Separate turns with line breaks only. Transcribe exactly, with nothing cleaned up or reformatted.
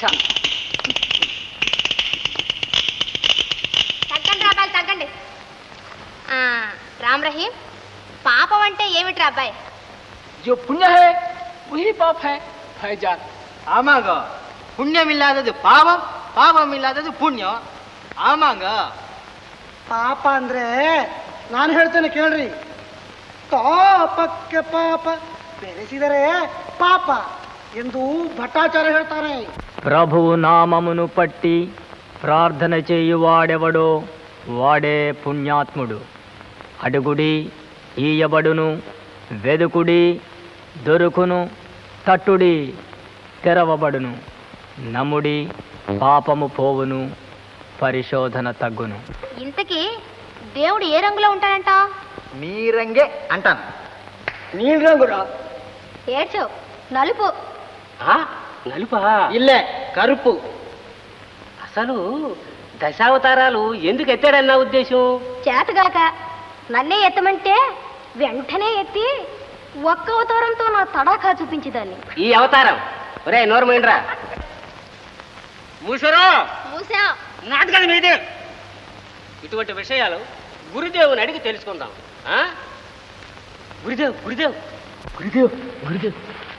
తగ్గండి అబ్బాయి తగ్గండి. రామ్ రహీం, పాపం అంటే ఏమిట్రా అబ్బాయి?
जो पुण्य है वही पाप है भाईजान.
आमांग पुण्य मिलादದು ಪಾಪ, ಪಾಪ मिलादದು ಪುಣ್ಯ. ಆಮಾಂಗ
ಪಾಪ ಅಂದ್ರೆ ನಾನು ಹೇಳ್ತೇನೆ ಕೇಳ್ರಿ. ತಾಪಕ್ಕೆ ಪಾಪ ಬೆರೆಸಿದರೆ ಪಾಪ ಎಂದು ಭಟ್ಟಾಚಾರ್ಯ ಹೇಳ್ತಾರೆ.
ప్రభువు నామమును పట్టి ప్రార్థన చేయువాడెవడో వాడే పుణ్యాత్ముడు. అడుగుడి ఈయబడును, వెదుకుడి దొరుకును, తట్టుడి తెరవబడును, నమ్ముడి పాపము పోవును, పరిశోధన తగ్గును.
ఇంతకీ దేవుడు ఏ రంగులో ఉంటాడంట?
నీ రంగే అంటాను.
నీ రంగురా?
ఏడ్చో, నలుపు.
నలుపా?
ఇల్లే కరుపు.
అసలు దశావతారాలు ఎందుకు ఎత్తాడన్న ఉద్దేశం?
చేతగాక నన్నే ఎత్తమంటే వెంటనే ఎత్తి ఒక్క అవతారంతో నా తడాఖా చూపించేదాన్ని.
ఈ అవతారం ఒరే నోర్మైండ్రా మూసరో
మూసా
నాటకాలు మీదే. ఇటువంటి విషయాలు గురుదేవుని అడిగి తెలుసుకుందాం. గురుదేవ్ గురుదేవ్ గురుదేవ్ గురుదేవ్